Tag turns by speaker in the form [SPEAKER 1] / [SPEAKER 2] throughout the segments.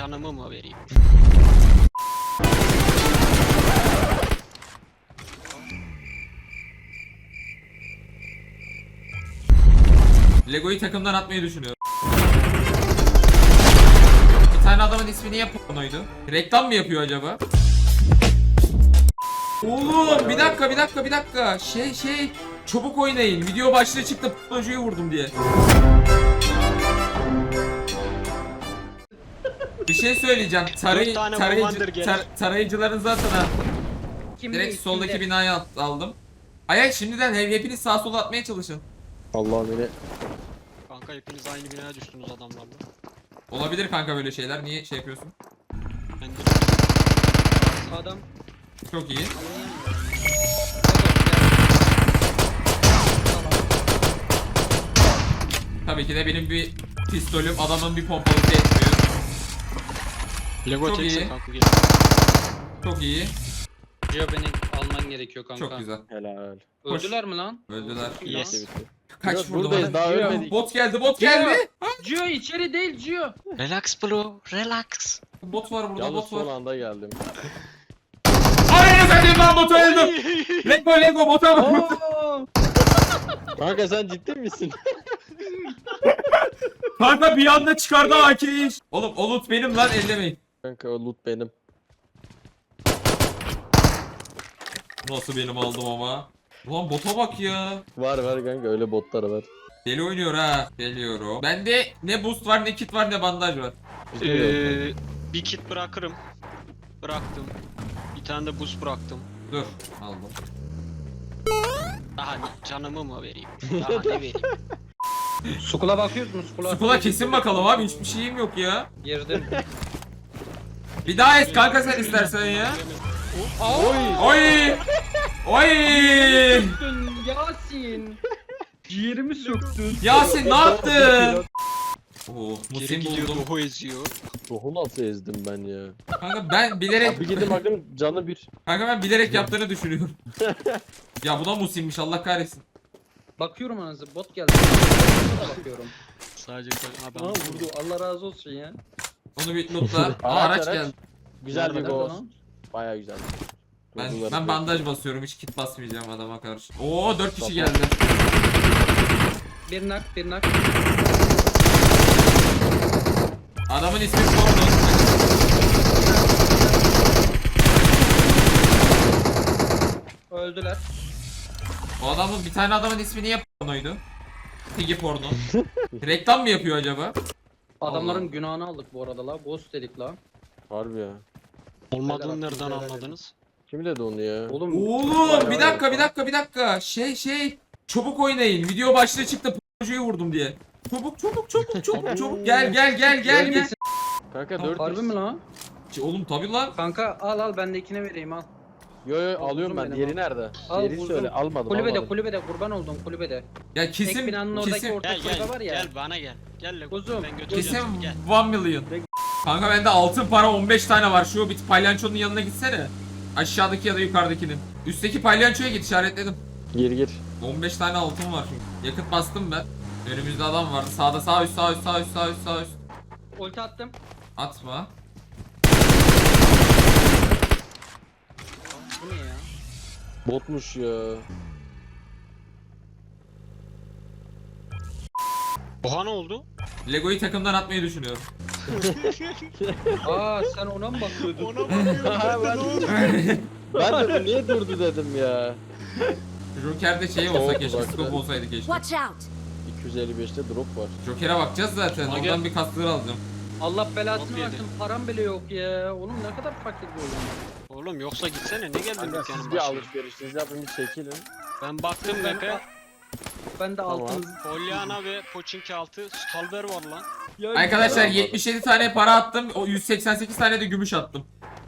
[SPEAKER 1] canımı mı vereyim?
[SPEAKER 2] Lego'yu takımdan atmayı düşünüyorum. Bir tane adamın ismi niye pornoydu? Reklam mı yapıyor acaba? Oğlum bir dakika. Şey çabuk oynayın. Video başlığı çıktı pornocuyu vurdum diye. Bir şey söyleyeceğim.
[SPEAKER 1] Dört tane Commander gelir.
[SPEAKER 2] Tarayıcıların zaten ha.
[SPEAKER 3] Kim
[SPEAKER 2] Direkt
[SPEAKER 3] değil,
[SPEAKER 2] soldaki
[SPEAKER 3] kimde?
[SPEAKER 2] binayı aldım. Ay şimdiden hepiniz sağa sola atmaya çalışın.
[SPEAKER 4] Allah beni.
[SPEAKER 1] Kanka hepiniz aynı binaya düştünüz adamlarla.
[SPEAKER 2] Olabilir kanka böyle şeyler. Niye şey yapıyorsun?
[SPEAKER 1] Ben de
[SPEAKER 3] Adam.
[SPEAKER 2] Çok iyi. Tabii ki de benim bir pistolüm adamın bir pompalısı etmiyor.
[SPEAKER 1] Lego
[SPEAKER 2] Çok
[SPEAKER 1] çekse
[SPEAKER 2] iyi.
[SPEAKER 1] kanka gel.
[SPEAKER 2] Çok iyi.
[SPEAKER 3] Gio beni alman gerekiyor kanka.
[SPEAKER 2] Çok güzel.
[SPEAKER 4] Helal.
[SPEAKER 3] Öldüler mi lan?
[SPEAKER 2] Öldüler.
[SPEAKER 1] Yes.
[SPEAKER 4] Bitti, bitti.
[SPEAKER 2] Kaç
[SPEAKER 4] Yok,
[SPEAKER 2] vurdu
[SPEAKER 4] buradayız,
[SPEAKER 2] bana?
[SPEAKER 4] daha
[SPEAKER 2] Gio,
[SPEAKER 4] ölmedik.
[SPEAKER 2] Bot geldi.
[SPEAKER 3] Gio içeri değil Gio.
[SPEAKER 1] Relax bro, relax.
[SPEAKER 2] Bot var burada,
[SPEAKER 4] Yalnız
[SPEAKER 2] bot
[SPEAKER 4] son
[SPEAKER 2] var.
[SPEAKER 4] anda geldim.
[SPEAKER 2] Aynen sen lan botu öldüm. Lego bota vur.
[SPEAKER 4] Kanka sen ciddi misin?
[SPEAKER 2] Kanka bir anda çıkardı AK'yi. Oğlum o loot benim lan ellemeyin.
[SPEAKER 4] Kanka o loot benim.
[SPEAKER 2] Nasıl benim aldım ama. Ulan bota bak ya.
[SPEAKER 4] Var kanka öyle botlar var.
[SPEAKER 2] Deli oynuyor ha. Geliyorum. Bende ne boost var ne kit var ne bandaj var.
[SPEAKER 1] Bir kit bırakırım. Bıraktım. Bir tane de boost bıraktım.
[SPEAKER 2] Dur aldım.
[SPEAKER 1] Daha canımı mı vereyim? Daha ne vereyim?
[SPEAKER 3] Sukula bakıyoruz mu?
[SPEAKER 2] Skula kesin bakalım abi hiçbir şeyim yok ya.
[SPEAKER 3] Girdim.
[SPEAKER 2] Bir daha et kanka sen istersen ya.
[SPEAKER 3] Oy.
[SPEAKER 2] Oy! Oy!
[SPEAKER 3] Yasin. Ciğerimi söktün.
[SPEAKER 2] Yasin ne yaptın? Oo,
[SPEAKER 1] Geri
[SPEAKER 2] Musim
[SPEAKER 1] gidiyor,
[SPEAKER 2] buldum.
[SPEAKER 1] Dohu eziyor.
[SPEAKER 4] Ruhu nasıl ezdim ben ya?
[SPEAKER 2] Kanka ben bilerek
[SPEAKER 4] Bir gidip bakın canı bir.
[SPEAKER 2] yaptığını düşünüyorum. Ya bu da Musim'miş Allah kahretsin.
[SPEAKER 3] Bakıyorum anasını bot geldi. Bakıyorum.
[SPEAKER 1] Sadece ha ben
[SPEAKER 3] Aa vurdu. Allah razı olsun ya.
[SPEAKER 2] Onu bir lootla. Aa, araç geldi.
[SPEAKER 4] Güzel bir
[SPEAKER 3] Nerede
[SPEAKER 4] boss.
[SPEAKER 3] lan?
[SPEAKER 4] Baya güzel.
[SPEAKER 2] Ben bandaj basıyorum hiç kit basmayacağım adama karşı. Oo 4 kişi geldi.
[SPEAKER 3] Bir nak.
[SPEAKER 2] Adamın ismi Porno.
[SPEAKER 3] Öldüler.
[SPEAKER 2] O adamın bir tane adamın ismi niye Porno'ydu? Piggy Porno. Reklam mı yapıyor acaba?
[SPEAKER 3] Adamların
[SPEAKER 2] Allah.
[SPEAKER 3] günahını aldık bu arada la. Ghost dedik la.
[SPEAKER 4] Harbi ya.
[SPEAKER 1] olmadığını
[SPEAKER 3] Helal
[SPEAKER 1] nereden
[SPEAKER 3] olsun,
[SPEAKER 1] anladınız?
[SPEAKER 4] Kim dedi onu ya?
[SPEAKER 3] Oğlum.
[SPEAKER 2] Oğlum bir dakika. Şey çabuk oynayın. Video başlığı çıktı pornocuyu vurdum diye. Çabuk. Gel.
[SPEAKER 4] Kanka
[SPEAKER 2] Tamam,
[SPEAKER 4] 4
[SPEAKER 3] Harbi mi lan?
[SPEAKER 2] Oğlum tabi lan.
[SPEAKER 3] Kanka al ben de ikine vereyim al.
[SPEAKER 4] Yo
[SPEAKER 3] Al,
[SPEAKER 4] alıyorum
[SPEAKER 3] vurdum
[SPEAKER 4] ben.
[SPEAKER 3] beni
[SPEAKER 4] Diğeri
[SPEAKER 3] bak.
[SPEAKER 4] nerede?
[SPEAKER 3] Al,
[SPEAKER 4] Diğeri
[SPEAKER 3] vurdum.
[SPEAKER 4] söyle. Almadım. almadım.
[SPEAKER 3] Kulübede kurban oldum kulübede.
[SPEAKER 2] Ya
[SPEAKER 3] Ek binanın oradaki orta
[SPEAKER 1] Gel
[SPEAKER 3] kulübe var ya.
[SPEAKER 1] gel bana gel. Gel Lego.
[SPEAKER 3] Kuzum,
[SPEAKER 1] Ben götüreceğim
[SPEAKER 2] kesin
[SPEAKER 1] seni gel.
[SPEAKER 2] 1 milyon. Kanka bende altın para 15 tane var. Şu bir palyaçonun yanına gitsene. Aşağıdaki ya da yukarıdakinin. Üstteki palyaçoya git işaretledim.
[SPEAKER 4] Gir.
[SPEAKER 2] 15 tane altın var çünkü. Yakıt bastım ben. Önümüzde adam vardı. Sağda sağ üst.
[SPEAKER 3] Ulti attım.
[SPEAKER 2] Atma.
[SPEAKER 3] Bu ne ya?
[SPEAKER 4] Botmuş ya.
[SPEAKER 1] Oha ne oldu?
[SPEAKER 2] Lego'yu takımdan atmayı düşünüyorum.
[SPEAKER 3] Aa sen ona mı bakıyordun?
[SPEAKER 1] Ona bakıyorum.
[SPEAKER 4] Ben de bu niye durdu dedim ya.
[SPEAKER 2] Joker'de şey olsa
[SPEAKER 4] Soğuk
[SPEAKER 2] keşke,
[SPEAKER 4] uzakta.
[SPEAKER 2] scope olsaydı keşke.
[SPEAKER 5] Watch out!
[SPEAKER 4] 255'te drop var.
[SPEAKER 2] Joker'e bakacağız zaten.
[SPEAKER 1] Ona
[SPEAKER 2] Oradan
[SPEAKER 1] gel.
[SPEAKER 2] bir kasları alacağım.
[SPEAKER 3] Allah belasını
[SPEAKER 1] Nasıl yedi?
[SPEAKER 3] versin param bile yok ya. Oğlum ne kadar fakir bir oyun.
[SPEAKER 1] Oğlum yoksa gitsene ne geldin
[SPEAKER 4] Kanka
[SPEAKER 1] dükkanın
[SPEAKER 4] siz bir
[SPEAKER 1] başına?
[SPEAKER 4] alışverişinizi yapın bir çekilin.
[SPEAKER 1] Ben baktım kanka.
[SPEAKER 3] Ben de
[SPEAKER 4] Tamam.
[SPEAKER 3] altın.
[SPEAKER 1] Pollyanna ve Pochinki altı Stalber var lan.
[SPEAKER 2] Arkadaşlar 77 tane para attım. O 188 tane de gümüş attım.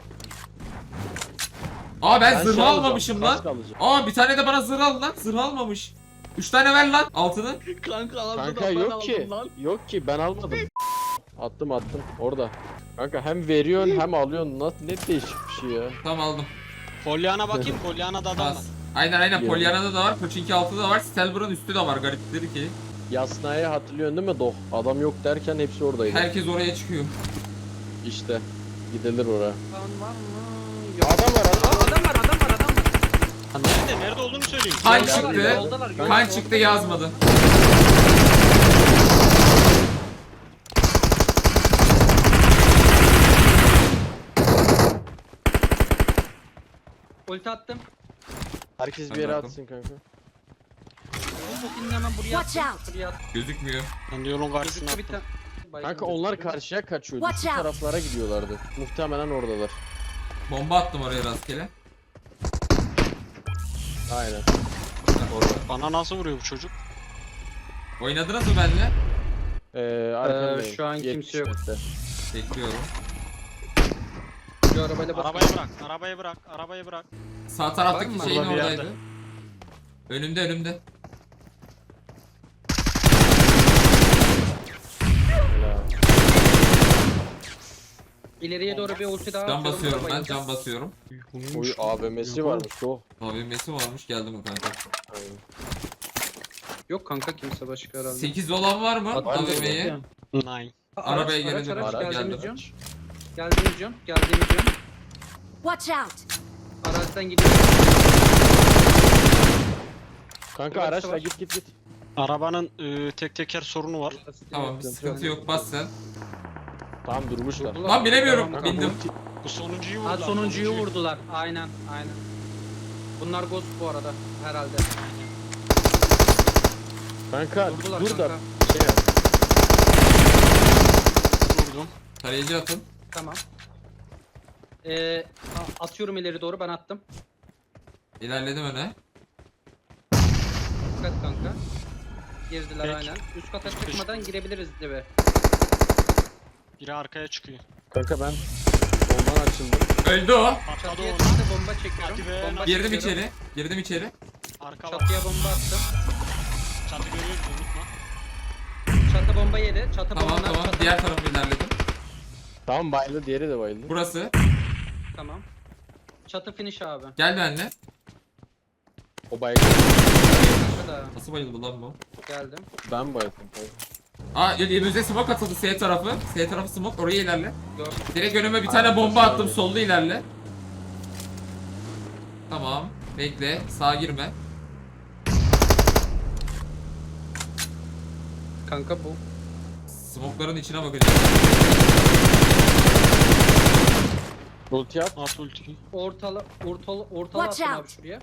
[SPEAKER 2] Aa ben
[SPEAKER 4] Ben
[SPEAKER 2] zırh
[SPEAKER 4] şey alacağım,
[SPEAKER 2] almamışım
[SPEAKER 4] kask
[SPEAKER 2] lan.
[SPEAKER 4] alacağım.
[SPEAKER 2] Aa bir tane de bana zırh al lan. Zırh almamış. 3 tane ver lan altını.
[SPEAKER 4] Kanka yok ki. Yok ki ben almadım. Attım orada. Kanka hem veriyorsun hem alıyorsun. Nasıl ne değişik bir şey ya.
[SPEAKER 2] Tamam aldım.
[SPEAKER 1] Pollyanna bakayım Pollyanna'da adam var.
[SPEAKER 2] Bas. Aynen
[SPEAKER 4] Yemin.
[SPEAKER 2] Pollyanna'da da var. Pochinki altı da var. Stelber'ın üstü de var garipleri ki.
[SPEAKER 4] Yasna'yı hatırlıyorsun değil mi Doh? Adam yok derken hepsi oradaydı.
[SPEAKER 2] Herkes oraya çıkıyor.
[SPEAKER 4] işte. Gidilir oraya.
[SPEAKER 3] Kan var mı? Yok.
[SPEAKER 4] Adam var adam.
[SPEAKER 3] Aa, adam var.
[SPEAKER 1] Ha, nerede? Nerede olduğunu söyleyin.
[SPEAKER 2] Kan
[SPEAKER 3] Yoldalar,
[SPEAKER 2] çıktı.
[SPEAKER 3] yoldalar,
[SPEAKER 2] Kan
[SPEAKER 3] yoldalar.
[SPEAKER 2] çıktı yazmadı.
[SPEAKER 3] Ulti attım.
[SPEAKER 4] Herkes bir
[SPEAKER 2] Ben
[SPEAKER 4] yere
[SPEAKER 2] baktım.
[SPEAKER 4] atsın kanka.
[SPEAKER 3] Bu ultini hemen buraya
[SPEAKER 5] Watch
[SPEAKER 3] attım.
[SPEAKER 5] out.
[SPEAKER 3] Buraya attım.
[SPEAKER 2] Gözükmüyor.
[SPEAKER 1] Ben de yolun karşısına
[SPEAKER 3] Gözüktü bir
[SPEAKER 1] attım.
[SPEAKER 3] tane.
[SPEAKER 4] Kanka onlar karşıya kaçıyordu.
[SPEAKER 5] Watch
[SPEAKER 4] Şu
[SPEAKER 5] out.
[SPEAKER 4] taraflara gidiyorlardı. Muhtemelen oradalar.
[SPEAKER 2] Bomba attım oraya rastgele.
[SPEAKER 4] Aynen.
[SPEAKER 1] Bana nasıl vuruyor bu çocuk?
[SPEAKER 2] Oynadınız mı benimle?
[SPEAKER 4] Arkandayım.
[SPEAKER 3] şu an kimse
[SPEAKER 4] 70
[SPEAKER 3] yok.
[SPEAKER 4] metre.
[SPEAKER 2] Bekliyorum.
[SPEAKER 3] Şu arabayla bas.
[SPEAKER 1] Arabayı bırak, arabayı bırak, arabayı bırak.
[SPEAKER 2] Sağ taraftaki
[SPEAKER 3] Var mı?
[SPEAKER 2] şeyin
[SPEAKER 1] Burada bir
[SPEAKER 2] oradaydı.
[SPEAKER 1] yerde.
[SPEAKER 2] Önümde.
[SPEAKER 4] Helal.
[SPEAKER 3] İleriye doğru bir ulti daha
[SPEAKER 2] Can
[SPEAKER 3] atıyorum,
[SPEAKER 2] basıyorum ben,
[SPEAKER 3] arabayı.
[SPEAKER 2] can basıyorum.
[SPEAKER 4] Oy AVM'si varmış o.
[SPEAKER 2] AVM'si varmış, geldi mi kanka?
[SPEAKER 4] Aynen.
[SPEAKER 3] Yok kanka kimse başka herhalde.
[SPEAKER 2] 8 olan var mı
[SPEAKER 3] At-
[SPEAKER 2] AVM'yi?
[SPEAKER 1] Nine.
[SPEAKER 2] Arabaya
[SPEAKER 3] Araç,
[SPEAKER 2] gelelim.
[SPEAKER 3] araç,
[SPEAKER 2] Araç
[SPEAKER 3] geldiğimiz
[SPEAKER 2] geldi.
[SPEAKER 3] yön. Geldiğimiz yön.
[SPEAKER 5] Watch out!
[SPEAKER 3] Araçtan gidiyor.
[SPEAKER 4] Kanka
[SPEAKER 3] Var,
[SPEAKER 4] araçla
[SPEAKER 3] var.
[SPEAKER 4] git.
[SPEAKER 1] Arabanın tek teker sorunu var.
[SPEAKER 2] Tamam, bir sıkıntı yok, bas sen.
[SPEAKER 4] Tamam durmuşlar.
[SPEAKER 3] Vurdular.
[SPEAKER 2] Lan bilemiyorum,
[SPEAKER 3] Tamam,
[SPEAKER 2] bindim.
[SPEAKER 1] Bu sonuncuyu
[SPEAKER 3] Ha
[SPEAKER 1] vurdular.
[SPEAKER 3] sonuncuyu vurdular. Aynen. Bunlar ghost bu arada herhalde.
[SPEAKER 4] Kanka
[SPEAKER 3] Vurdular
[SPEAKER 4] dur
[SPEAKER 3] kanka.
[SPEAKER 4] da şey yap.
[SPEAKER 1] Vurdum.
[SPEAKER 2] Tarayıcı atın.
[SPEAKER 3] Tamam. Atıyorum ileri doğru, ben attım.
[SPEAKER 2] İlerledim öne.
[SPEAKER 3] Dikkat kanka. Girdiler
[SPEAKER 1] Peki.
[SPEAKER 3] aynen. Üst kata
[SPEAKER 1] Üst
[SPEAKER 3] çıkmadan girebiliriz dibe.
[SPEAKER 1] Biri arkaya çıkıyor.
[SPEAKER 4] Kanka ben soldan açıldım.
[SPEAKER 2] Öldü o.
[SPEAKER 1] Patladı
[SPEAKER 3] Çatıya
[SPEAKER 1] ona.
[SPEAKER 3] çıktı, bomba çekiyorum.
[SPEAKER 1] Hadi be,
[SPEAKER 3] Bomba
[SPEAKER 2] Girdim
[SPEAKER 3] çekiyorum.
[SPEAKER 2] içeri. Girdim içeri.
[SPEAKER 1] Arka var.
[SPEAKER 3] Çatıya bomba attım.
[SPEAKER 1] Çatı görüyoruz unutma.
[SPEAKER 3] Çatı bomba yedi. Çatı
[SPEAKER 2] Tamam
[SPEAKER 3] bomba.
[SPEAKER 2] tamam.
[SPEAKER 3] Çatı...
[SPEAKER 2] Diğer tarafa ilerledim.
[SPEAKER 4] Tamam bayıldı, diğeri de bayıldı.
[SPEAKER 2] Burası.
[SPEAKER 3] Tamam. Çatı finish abi.
[SPEAKER 2] Gel benimle.
[SPEAKER 4] O bayıldı.
[SPEAKER 3] Kanka da
[SPEAKER 2] Nasıl bayıldı lan bu?
[SPEAKER 3] geldim.
[SPEAKER 4] Ben bayıldım kanka.
[SPEAKER 2] Aa, önümüze smoke atıldı S tarafı. S tarafı smoke, oraya ilerle.
[SPEAKER 3] Gördüm.
[SPEAKER 2] Direkt önüme bir tane bomba attım, solda ilerle. Tamam. Bekle, sağa girme.
[SPEAKER 3] Kanka bu.
[SPEAKER 2] Smoke'ların içine bakacağım.
[SPEAKER 4] Ulti at.
[SPEAKER 1] At ultiyi.
[SPEAKER 3] Ortala
[SPEAKER 5] Watch
[SPEAKER 3] attım
[SPEAKER 5] out.
[SPEAKER 3] abi şuraya.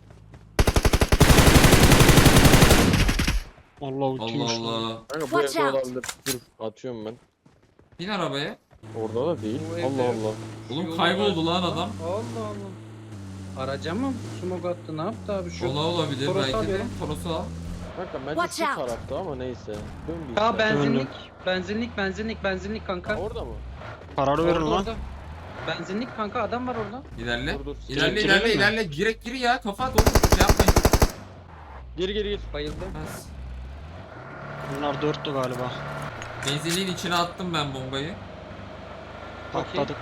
[SPEAKER 1] Allah ultiymiş
[SPEAKER 2] Allah
[SPEAKER 1] lan.
[SPEAKER 2] Allah.
[SPEAKER 4] Kanka bu
[SPEAKER 5] Watch
[SPEAKER 4] evde
[SPEAKER 5] out.
[SPEAKER 4] olabilir. Dur atıyorum ben.
[SPEAKER 2] Bin arabaya.
[SPEAKER 4] Orada da değil.
[SPEAKER 3] Bu evde
[SPEAKER 4] Allah
[SPEAKER 3] yok.
[SPEAKER 4] Allah.
[SPEAKER 2] Oğlum
[SPEAKER 3] Yolu
[SPEAKER 2] kayboldu
[SPEAKER 3] var.
[SPEAKER 2] lan adam.
[SPEAKER 3] Allah Allah. Araca mı smoke attı, ne yaptı abi şu?
[SPEAKER 2] Ola olabilir
[SPEAKER 3] Toros
[SPEAKER 2] belki de.
[SPEAKER 3] alıyorum.
[SPEAKER 2] Toros'u al.
[SPEAKER 4] Kanka bence
[SPEAKER 5] Watch
[SPEAKER 4] şu
[SPEAKER 5] out.
[SPEAKER 4] tarafta ama neyse. Dön bir
[SPEAKER 3] Ya
[SPEAKER 4] istersen.
[SPEAKER 3] benzinlik
[SPEAKER 4] Ha,
[SPEAKER 3] kanka.
[SPEAKER 4] orada mı?
[SPEAKER 1] Kararı verin
[SPEAKER 3] Orada,
[SPEAKER 1] lan.
[SPEAKER 3] orada. Benzinlik kanka, adam var orada.
[SPEAKER 2] İlerle.
[SPEAKER 4] Dur, dur.
[SPEAKER 2] İlerle
[SPEAKER 1] Girelim
[SPEAKER 2] ilerle
[SPEAKER 1] mi?
[SPEAKER 2] ilerle. Girek gir ya. Kafa at oğlum. Şey yapmayın.
[SPEAKER 4] Gir.
[SPEAKER 3] Bayıldı.
[SPEAKER 2] Bas.
[SPEAKER 1] Bunlar dörttü galiba.
[SPEAKER 2] Benzinliğin içine attım ben bombayı.
[SPEAKER 1] Patladık.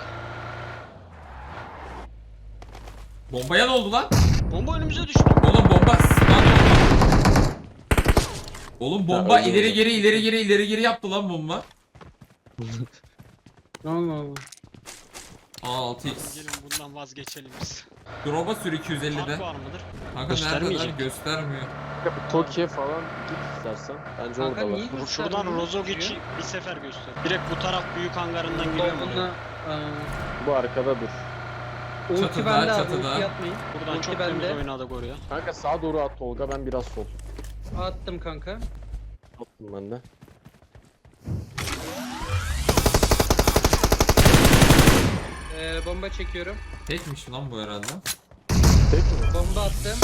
[SPEAKER 2] Bombaya ne oldu lan?
[SPEAKER 1] Bomba önümüze düştü.
[SPEAKER 2] Oğlum bomba. Lan bomba. Oğlum bomba
[SPEAKER 4] öyle
[SPEAKER 2] ileri
[SPEAKER 4] oldu.
[SPEAKER 2] geri ileri geri ileri geri yaptı lan bomba.
[SPEAKER 3] Allah Allah.
[SPEAKER 2] Aa 6x.
[SPEAKER 1] Gelin bundan vazgeçelim biz.
[SPEAKER 2] Drop'a sür 250'de.
[SPEAKER 1] Fark var mıdır?
[SPEAKER 2] Kanka nerede lan?
[SPEAKER 1] Göstermeyecek.
[SPEAKER 2] Göstermiyor.
[SPEAKER 4] Kanka bir Tokyo falan git istersen. Bence
[SPEAKER 3] Kanka
[SPEAKER 4] oradalar.
[SPEAKER 3] niye
[SPEAKER 1] Şuradan
[SPEAKER 3] göstermiyor?
[SPEAKER 1] Rozogic'i bir sefer göster. Direkt bu taraf büyük hangarından giriyor mu?
[SPEAKER 3] Bunda
[SPEAKER 4] Bu arkada dur.
[SPEAKER 3] ulti
[SPEAKER 2] Çatıda,
[SPEAKER 3] bende abi,
[SPEAKER 2] çatıda.
[SPEAKER 3] ulti atmayın.
[SPEAKER 1] Buradan
[SPEAKER 3] Ulti
[SPEAKER 1] çok temiz
[SPEAKER 3] bende.
[SPEAKER 1] oynadık oraya.
[SPEAKER 4] Kanka sağa doğru at Tolga, ben biraz sol.
[SPEAKER 3] Attım kanka.
[SPEAKER 4] Attım ben de.
[SPEAKER 3] Bomba çekiyorum.
[SPEAKER 2] Tekmiş lan bu herhalde.
[SPEAKER 4] Tek mi?
[SPEAKER 3] Bomba attım.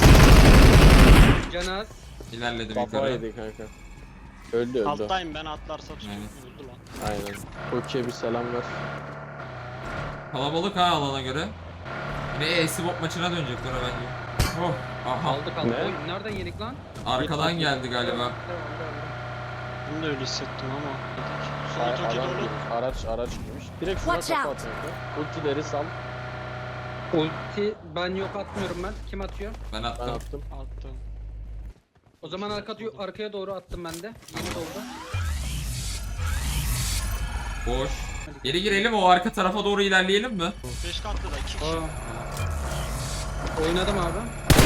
[SPEAKER 3] Canaz.
[SPEAKER 2] İlerledim
[SPEAKER 4] Kafa
[SPEAKER 2] yukarı.
[SPEAKER 4] yedi kanka. Öldü.
[SPEAKER 1] Alttayım ben atlarsa tutayım.
[SPEAKER 2] Aynen.
[SPEAKER 1] Öldü lan.
[SPEAKER 4] Aynen. Tokyo'ya bir selam ver.
[SPEAKER 2] Kalabalık ha alana göre. Yine e-sport maçına dönecekler bence. Oh, aha.
[SPEAKER 3] Aldık.
[SPEAKER 4] Ne?
[SPEAKER 3] Oy, nereden yedik lan?
[SPEAKER 2] Arkadan geldi galiba.
[SPEAKER 1] Bunu da öyle hissettim ama.
[SPEAKER 4] Ay,
[SPEAKER 1] Sol toki
[SPEAKER 4] adam
[SPEAKER 1] dolu.
[SPEAKER 4] girmiş, araç girmiş. Direkt şuna
[SPEAKER 5] Watch
[SPEAKER 4] kafa
[SPEAKER 5] out.
[SPEAKER 4] at kanka. Ultileri sal.
[SPEAKER 3] Ulti ben yok, atmıyorum ben. Kim atıyor?
[SPEAKER 2] Ben
[SPEAKER 4] Ben
[SPEAKER 2] attım.
[SPEAKER 4] attım.
[SPEAKER 1] Attım.
[SPEAKER 3] O zaman arkaya doğru attım ben de. Yeni doldu.
[SPEAKER 2] Boş. Geri girelim, o arka tarafa doğru ilerleyelim mi?
[SPEAKER 1] 5 katlı da 2 kişi.
[SPEAKER 3] Aa. Oynadım abi.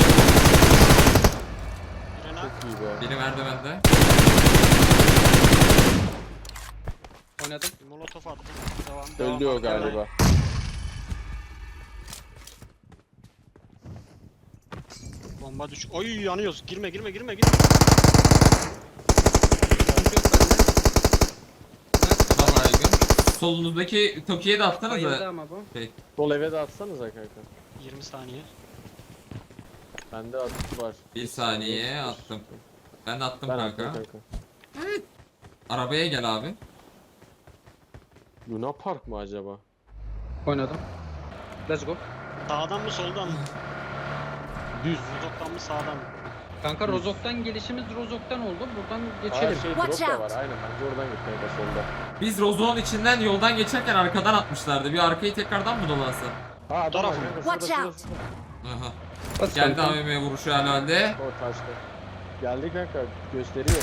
[SPEAKER 1] Birine
[SPEAKER 4] Çok iyi be.
[SPEAKER 2] Biri merdivende.
[SPEAKER 3] Oynadım.
[SPEAKER 1] bir molotof attım. Devam.
[SPEAKER 4] Öldü o
[SPEAKER 1] Arkaya.
[SPEAKER 4] galiba.
[SPEAKER 1] Bomba düş. Oy yanıyoruz. Girme.
[SPEAKER 3] Sıkıntı yok bende.
[SPEAKER 2] Tamam baygın. Solunuzdaki Toki'ye de atsanız
[SPEAKER 3] Bayıldı
[SPEAKER 2] da.
[SPEAKER 3] ama bu.
[SPEAKER 4] Sol eve de atsanıza kanka.
[SPEAKER 1] 20 saniye.
[SPEAKER 4] Bende atı var.
[SPEAKER 2] Bir saniye attım. Ben de attım
[SPEAKER 4] Ben
[SPEAKER 2] kanka.
[SPEAKER 4] attım kanka.
[SPEAKER 2] Arabaya gel abi.
[SPEAKER 4] Luna Park mı acaba?
[SPEAKER 3] Oynadım. Let's go.
[SPEAKER 1] Sağdan mı soldan mı?
[SPEAKER 4] Düz.
[SPEAKER 1] Rozok'tan mı sağdan mı?
[SPEAKER 3] Kanka Rozok'tan gelişimiz Rozok'tan oldu. Buradan
[SPEAKER 4] Aa,
[SPEAKER 3] geçelim.
[SPEAKER 4] şey
[SPEAKER 5] Watch
[SPEAKER 4] drop da
[SPEAKER 5] out.
[SPEAKER 4] var aynen bence oradan git kanka solda.
[SPEAKER 2] Biz Rozo'nun içinden yoldan geçerken arkadan atmışlardı. Bir arkayı tekrardan mı dolansa?
[SPEAKER 4] Ha adam var
[SPEAKER 1] Taraf.
[SPEAKER 4] kanka
[SPEAKER 5] Watch
[SPEAKER 4] şurada
[SPEAKER 5] out.
[SPEAKER 4] şurada.
[SPEAKER 2] Aha.
[SPEAKER 3] Bas
[SPEAKER 2] Geldi
[SPEAKER 3] kanka.
[SPEAKER 2] AVM vuruşu herhalde.
[SPEAKER 4] O taşta. Geldi kanka gösteriyor.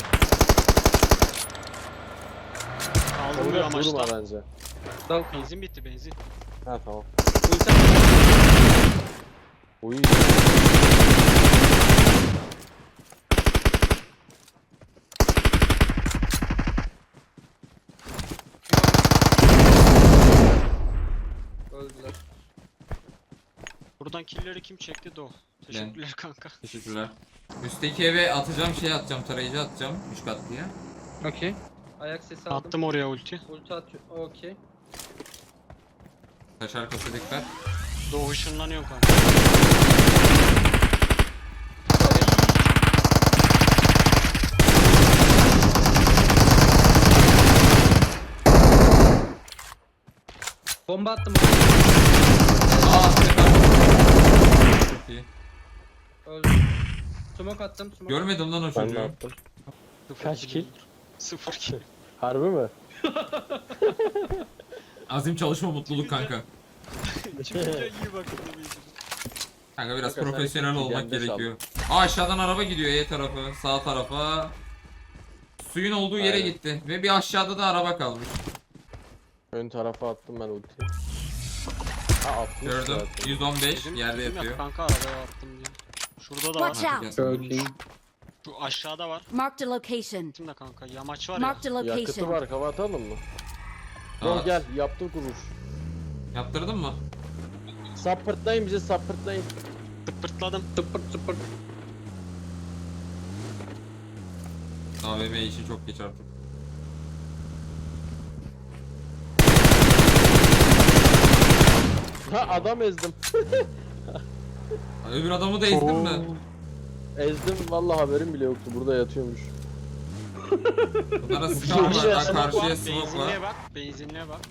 [SPEAKER 1] Kaldırmıyor
[SPEAKER 4] Orada durma
[SPEAKER 1] amaçta.
[SPEAKER 4] bence.
[SPEAKER 3] Dal.
[SPEAKER 1] Benzin bitti benzin.
[SPEAKER 4] Ha tamam.
[SPEAKER 3] Ulti.
[SPEAKER 4] Uy.
[SPEAKER 3] Öldüler.
[SPEAKER 1] Buradan killleri kim çekti de o. Teşekkürler kanka.
[SPEAKER 2] Teşekkürler. Üstteki eve atacağım, tarayıcı atacağım. 3 katlıya.
[SPEAKER 3] Okey. Ayak sesi aldım.
[SPEAKER 1] Attım oraya ulti.
[SPEAKER 3] Ulti atıyor. Okey.
[SPEAKER 2] Taş arkası dikkat.
[SPEAKER 1] Doğu ışınlanıyor kanka.
[SPEAKER 3] Bomba attım.
[SPEAKER 2] Aa, tekrar. Çok iyi.
[SPEAKER 3] Öldü. Smoke attım. Smoke.
[SPEAKER 2] Görmedim lan o
[SPEAKER 4] Ben de
[SPEAKER 2] çocuğu.
[SPEAKER 4] attım.
[SPEAKER 1] Sıfır
[SPEAKER 4] Kaç kill?
[SPEAKER 1] 0 kill.
[SPEAKER 4] Harbi mi?
[SPEAKER 2] Azim çalışma mutluluk kanka.
[SPEAKER 1] Çıkınca iyi bakın.
[SPEAKER 2] Kanka biraz
[SPEAKER 4] Kanka, sen
[SPEAKER 2] profesyonel
[SPEAKER 4] iki
[SPEAKER 2] olmak
[SPEAKER 4] geldi
[SPEAKER 2] gerekiyor. Aa, aşağıdan araba gidiyor E tarafı, sağ tarafa. Suyun olduğu yere
[SPEAKER 4] Aynen.
[SPEAKER 2] gitti ve bir aşağıda da araba kalmış.
[SPEAKER 4] Ön tarafa attım ben ultiyi. Ha atmış
[SPEAKER 2] Gördüm.
[SPEAKER 4] zaten.
[SPEAKER 2] 115 yerde
[SPEAKER 1] Dedim ya
[SPEAKER 2] yatıyor.
[SPEAKER 1] kanka arabaya attım diye. Şurada da var.
[SPEAKER 5] Watch out.
[SPEAKER 3] Öldü.
[SPEAKER 1] Şu aşağıda var.
[SPEAKER 5] Marked a location.
[SPEAKER 1] Şimdi kanka yamaç var ya.
[SPEAKER 5] Marked a
[SPEAKER 4] Yakıtı
[SPEAKER 5] location.
[SPEAKER 4] var hava atalım mı?
[SPEAKER 2] Aa,
[SPEAKER 4] Gel gel yaptık vuruş.
[SPEAKER 2] yaptırdın mı?
[SPEAKER 4] Sapırtlayın bize sapırtlayın.
[SPEAKER 1] Tıpırtladım.
[SPEAKER 3] Tıpırt tıpırt.
[SPEAKER 2] AVM işi çok geç artık.
[SPEAKER 4] Ha adam ezdim.
[SPEAKER 2] Öbür adamı da ezdin mi?
[SPEAKER 4] Ezdim vallahi haberim bile yoktu burada yatıyormuş.
[SPEAKER 2] Bunlara sıkan var.
[SPEAKER 4] Şuraya
[SPEAKER 2] Ha,
[SPEAKER 4] smoke
[SPEAKER 2] karşıya smoke var.
[SPEAKER 1] Benzinliğe bak. Benzinliğe bak.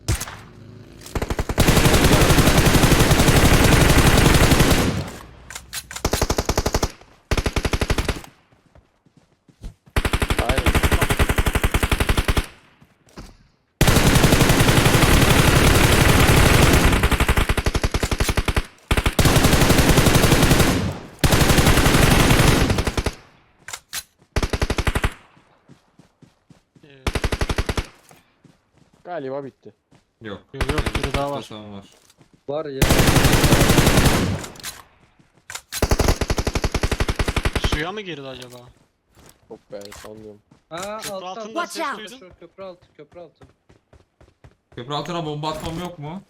[SPEAKER 4] Aynen.
[SPEAKER 1] Ee,
[SPEAKER 4] Galiba bitti.
[SPEAKER 2] Yok.
[SPEAKER 1] Yok yok biri daha var.
[SPEAKER 2] Tamam var.
[SPEAKER 3] Var ya.
[SPEAKER 1] Suya mı girdi acaba?
[SPEAKER 4] Çok be sanmıyorum.
[SPEAKER 3] Aa
[SPEAKER 1] Köprü
[SPEAKER 3] altta.
[SPEAKER 1] altında
[SPEAKER 5] Watch
[SPEAKER 1] ses
[SPEAKER 5] out.
[SPEAKER 1] duydum.
[SPEAKER 3] Şu köprü altı. Köprü altı.
[SPEAKER 2] Köprü altına bomba atmam yok mu?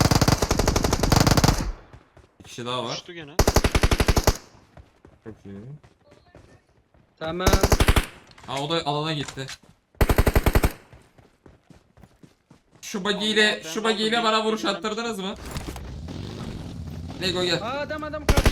[SPEAKER 2] Bir kişi daha var.
[SPEAKER 1] Düştü gene.
[SPEAKER 2] Çok iyi.
[SPEAKER 3] Tamam.
[SPEAKER 2] Aa, o da alana gitti. Şu buggy ile bana vuruş attırdınız mı? Lego gel.
[SPEAKER 3] Aa adam karşı.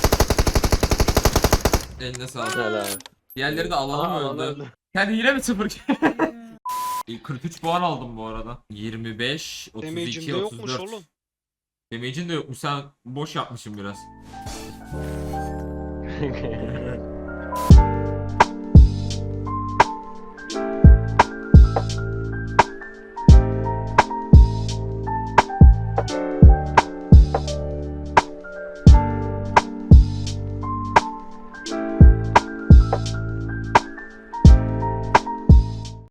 [SPEAKER 2] Eline sağlık.
[SPEAKER 4] Helal.
[SPEAKER 2] Diğerleri de alana mı
[SPEAKER 4] alana
[SPEAKER 2] öldü?
[SPEAKER 4] öldü.
[SPEAKER 2] Sen hile mi sıfır? 43 puan aldım bu arada. 25, 32,
[SPEAKER 1] Damage'inde yokmuş
[SPEAKER 2] 34.
[SPEAKER 1] oğlum.
[SPEAKER 2] Damage'in de yokmuş. Sen boş yapmışsın biraz.